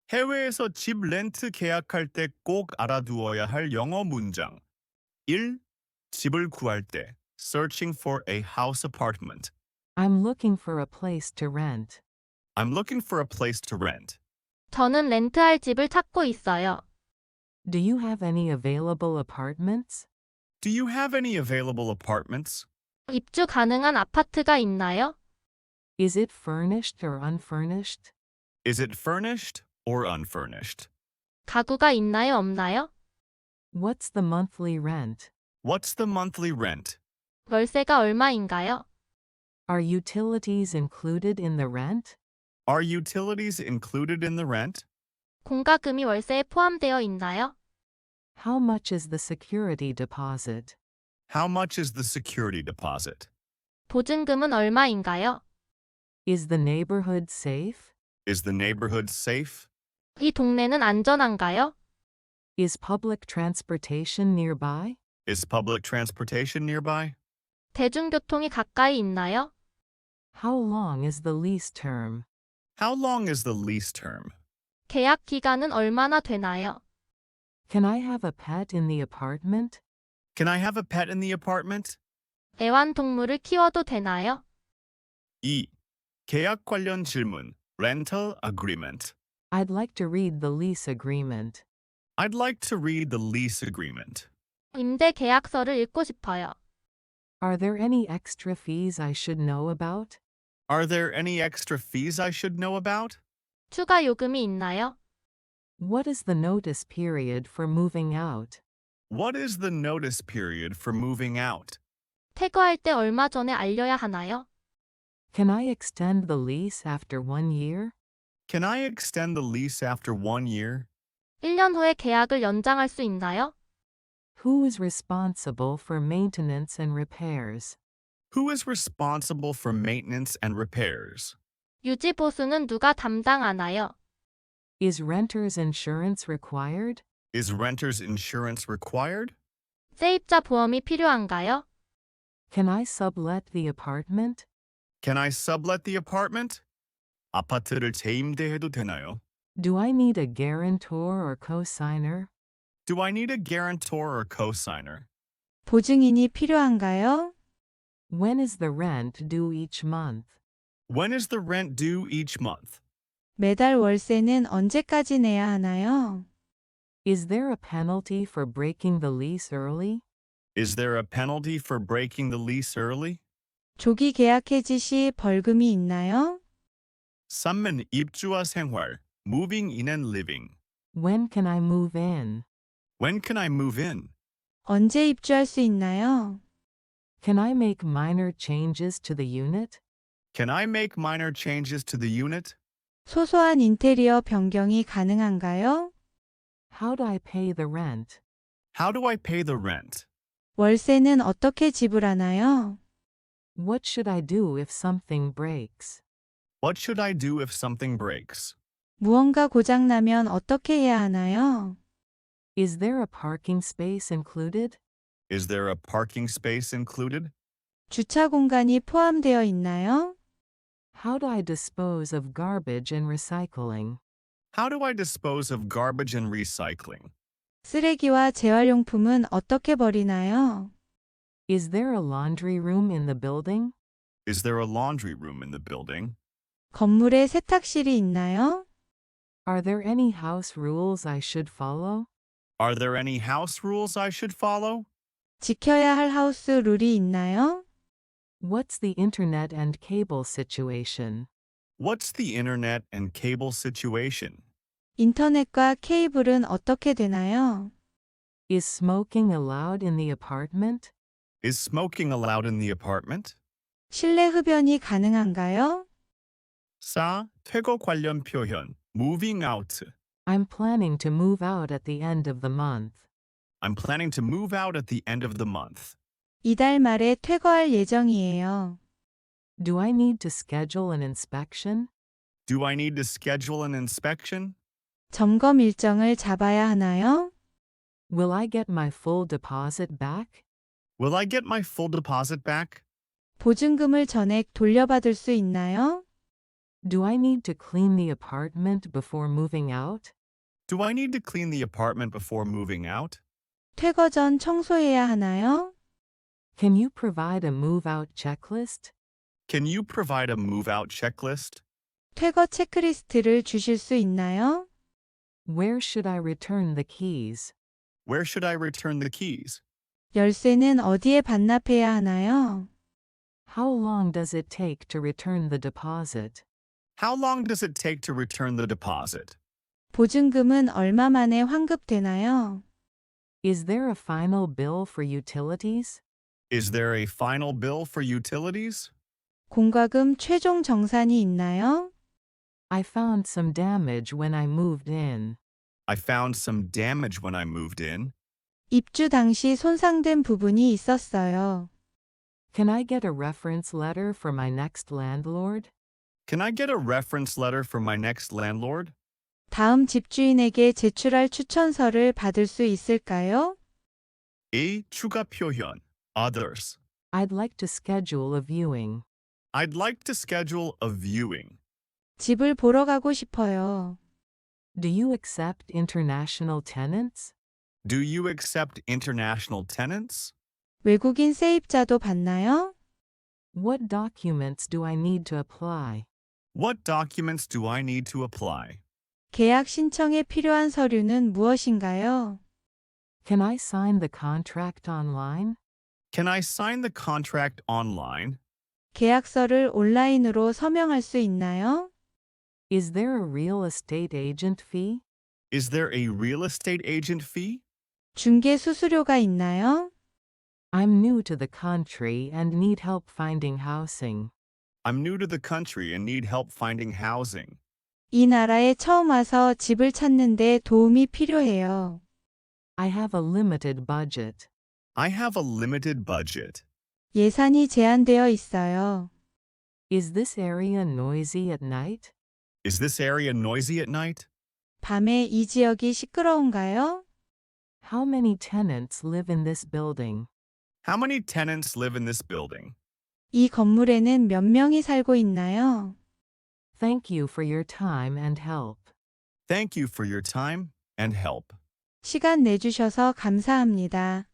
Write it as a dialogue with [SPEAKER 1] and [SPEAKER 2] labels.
[SPEAKER 1] 해외에서 집 렌트 계약할 때 꼭 알아두어야 할 영어 문장. 1. 집을 구할 때 searching for a house apartment.
[SPEAKER 2] I'm looking for a place to rent.
[SPEAKER 1] I'm looking for a place to rent.
[SPEAKER 3] 저는 렌트할 집을 찾고 있어요.
[SPEAKER 2] Do you have any available apartments?
[SPEAKER 1] Do you have any available apartments?
[SPEAKER 3] 입주 가능한 아파트가 있나요?
[SPEAKER 2] Is it furnished or unfurnished?
[SPEAKER 1] Is it furnished or unfurnished?
[SPEAKER 3] 가구가 있나요, 없나요?
[SPEAKER 2] What's the monthly rent?
[SPEAKER 1] What's the monthly rent?
[SPEAKER 3] 월세가 얼마인가요?
[SPEAKER 2] Are utilities included in the rent?
[SPEAKER 1] Are utilities included in the rent?
[SPEAKER 3] 공과금이 월세에 포함되어 있나요?
[SPEAKER 2] How much is the security deposit?
[SPEAKER 1] How much is the security deposit?
[SPEAKER 3] 보증금은 얼마인가요?
[SPEAKER 2] Is the neighborhood safe?
[SPEAKER 1] Is the neighborhood safe?
[SPEAKER 3] 이 동네는 안전한가요?
[SPEAKER 2] Is public transportation nearby?
[SPEAKER 1] Is public transportation nearby?
[SPEAKER 3] 대중교통이 가까이 있나요?
[SPEAKER 2] How long is the lease term?
[SPEAKER 1] How long is the lease term?
[SPEAKER 3] 계약 기간은 얼마나 되나요?
[SPEAKER 2] Can I have a pet in the apartment?
[SPEAKER 1] Can I have a pet in the apartment?
[SPEAKER 3] 애완동물을 키워도 되나요?
[SPEAKER 1] 2. 계약 관련 질문. Rental agreement.
[SPEAKER 2] I'd like to read the lease agreement.
[SPEAKER 1] I'd like to read the lease agreement.
[SPEAKER 3] 임대 계약서를 읽고 싶어요.
[SPEAKER 2] Are there any extra fees I should know about?
[SPEAKER 1] Are there any extra fees I should know about?
[SPEAKER 3] 추가 요금이 있나요?
[SPEAKER 2] What is the notice period for moving out?
[SPEAKER 1] What is the notice period for moving out?
[SPEAKER 3] 퇴거할 때 얼마 전에 알려야 하나요?
[SPEAKER 2] Can I extend the lease after 1 year?
[SPEAKER 1] Can I extend the lease after 1 year?
[SPEAKER 3] 1년 후에 계약을 연장할 수 있나요?
[SPEAKER 2] Who is responsible for maintenance and repairs?
[SPEAKER 1] Who is responsible for maintenance and repairs?
[SPEAKER 3] 유지 보수는 누가 담당하나요?
[SPEAKER 2] Is renter's insurance required?
[SPEAKER 1] Is renter's insurance required?
[SPEAKER 3] 세입자 보험이 필요한가요?
[SPEAKER 2] Can I sublet the apartment?
[SPEAKER 1] Can I sublet the apartment? 아파트를 재임대해도 되나요?
[SPEAKER 2] Do I need a guarantor or cosigner?
[SPEAKER 1] Do I need a guarantor or cosigner?
[SPEAKER 4] 보증인이 필요한가요?
[SPEAKER 2] When is the rent due each month?
[SPEAKER 1] When is the rent due each month?
[SPEAKER 4] 매달 월세는 언제까지 내야 하나요?
[SPEAKER 2] Is there a penalty for breaking the lease early?
[SPEAKER 1] Is there a penalty for breaking the lease early?
[SPEAKER 4] 조기 계약 해지 시 벌금이 있나요?
[SPEAKER 1] 3면 입주와 생활, moving in and living.
[SPEAKER 2] When can I move in?
[SPEAKER 1] When can I move in?
[SPEAKER 4] 언제 입주할 수 있나요?
[SPEAKER 2] Can I make minor changes to the unit?
[SPEAKER 1] Can I make minor changes to the unit?
[SPEAKER 4] 소소한 인테리어 변경이 가능한가요?
[SPEAKER 2] How do I pay the rent?
[SPEAKER 1] How do I pay the rent?
[SPEAKER 4] 월세는 어떻게 지불하나요?
[SPEAKER 2] What should I do if something breaks?
[SPEAKER 1] What should I do if something breaks?
[SPEAKER 4] 무언가 고장나면 어떻게 해야 하나요?
[SPEAKER 2] Is there a parking space included?
[SPEAKER 1] Is there a parking space included?
[SPEAKER 4] 주차 공간이 포함되어 있나요?
[SPEAKER 2] How do I dispose of garbage and recycling?
[SPEAKER 1] How do I dispose of garbage and recycling?
[SPEAKER 4] 쓰레기와 재활용품은 어떻게 버리나요?
[SPEAKER 2] Is there a laundry room in the building?
[SPEAKER 1] Is there a laundry room in the building?
[SPEAKER 4] 건물에 세탁실이 있나요?
[SPEAKER 2] Are there any house rules I should follow?
[SPEAKER 1] Are there any house rules I should follow?
[SPEAKER 4] 지켜야 할 하우스 룰이 있나요?
[SPEAKER 2] What's the internet and cable situation?
[SPEAKER 1] What's the internet and cable situation?
[SPEAKER 4] 인터넷과 케이블은 어떻게 되나요?
[SPEAKER 2] Is smoking allowed in the apartment?
[SPEAKER 1] Is smoking allowed in the apartment?
[SPEAKER 4] 실내 흡연이 가능한가요?
[SPEAKER 1] 4. 퇴거 관련 표현. Moving out.
[SPEAKER 2] I'm planning to move out at the end of the month.
[SPEAKER 1] I'm planning to move out at the end of the month.
[SPEAKER 4] 이달 말에 퇴거할 예정이에요.
[SPEAKER 2] Do I need to schedule an inspection?
[SPEAKER 1] Do I need to schedule an inspection?
[SPEAKER 4] 점검 일정을 잡아야 하나요?
[SPEAKER 2] Will I get my full deposit back?
[SPEAKER 1] Will I get my full deposit back?
[SPEAKER 4] 보증금을 전액 돌려받을 수 있나요?
[SPEAKER 2] Do I need to clean the apartment before moving out?
[SPEAKER 1] Do I need to clean the apartment before moving out?
[SPEAKER 4] 퇴거 전 청소해야 하나요?
[SPEAKER 2] Can you provide a move-out checklist?
[SPEAKER 1] Can you provide a move-out checklist?
[SPEAKER 4] 퇴거 체크리스트를 주실 수 있나요?
[SPEAKER 2] Where should I return the keys?
[SPEAKER 1] Where should I return the keys?
[SPEAKER 4] 열쇠는 어디에 반납해야 하나요?
[SPEAKER 2] How long does it take to return the deposit?
[SPEAKER 1] How long does it take to return the deposit?
[SPEAKER 4] 보증금은 얼마 만에 환급되나요?
[SPEAKER 2] Is there a final bill for utilities?
[SPEAKER 1] Is there a final bill for utilities?
[SPEAKER 4] 공과금 최종 정산이 있나요?
[SPEAKER 2] I found some damage when I moved in.
[SPEAKER 1] I found some damage when I moved in.
[SPEAKER 4] 입주 당시 손상된 부분이 있었어요.
[SPEAKER 2] Can I get a reference letter for my next landlord?
[SPEAKER 1] Can I get a reference letter from my next landlord?
[SPEAKER 4] 다음 집주인에게 제출할 추천서를 받을 수 있을까요?
[SPEAKER 1] A. 추가 표현. Others.
[SPEAKER 2] I'd like to schedule a viewing.
[SPEAKER 1] I'd like to schedule a viewing.
[SPEAKER 4] 집을 보러 가고 싶어요.
[SPEAKER 2] Do you accept international tenants?
[SPEAKER 1] Do you accept international tenants?
[SPEAKER 4] 외국인 세입자도 받나요?
[SPEAKER 2] What documents do I need to apply?
[SPEAKER 1] What documents do I need to apply?
[SPEAKER 4] 계약 신청에 필요한 서류는 무엇인가요?
[SPEAKER 2] Can I sign the contract online?
[SPEAKER 1] Can I sign the contract online?
[SPEAKER 4] 계약서를 온라인으로 서명할 수 있나요?
[SPEAKER 2] Is there a real estate agent fee?
[SPEAKER 1] Is there a real estate agent fee?
[SPEAKER 4] 중개 수수료가 있나요?
[SPEAKER 2] I'm new to the country and need help finding housing.
[SPEAKER 1] I'm new to the country and need help finding housing.
[SPEAKER 4] 이 나라에 처음 와서 집을 찾는데 도움이 필요해요.
[SPEAKER 2] I have a limited budget.
[SPEAKER 1] I have a limited budget.
[SPEAKER 4] 예산이 제한되어 있어요.
[SPEAKER 2] Is this area noisy at night?
[SPEAKER 1] Is this area noisy at night?
[SPEAKER 4] 밤에 이 지역이 시끄러운가요?
[SPEAKER 2] How many tenants live in this building?
[SPEAKER 1] How many tenants live in this building?
[SPEAKER 4] 이 건물에는 몇 명이 살고 있나요?
[SPEAKER 2] Thank you for your time and help.
[SPEAKER 1] Thank you for your time and help.
[SPEAKER 4] 시간 내주셔서 감사합니다.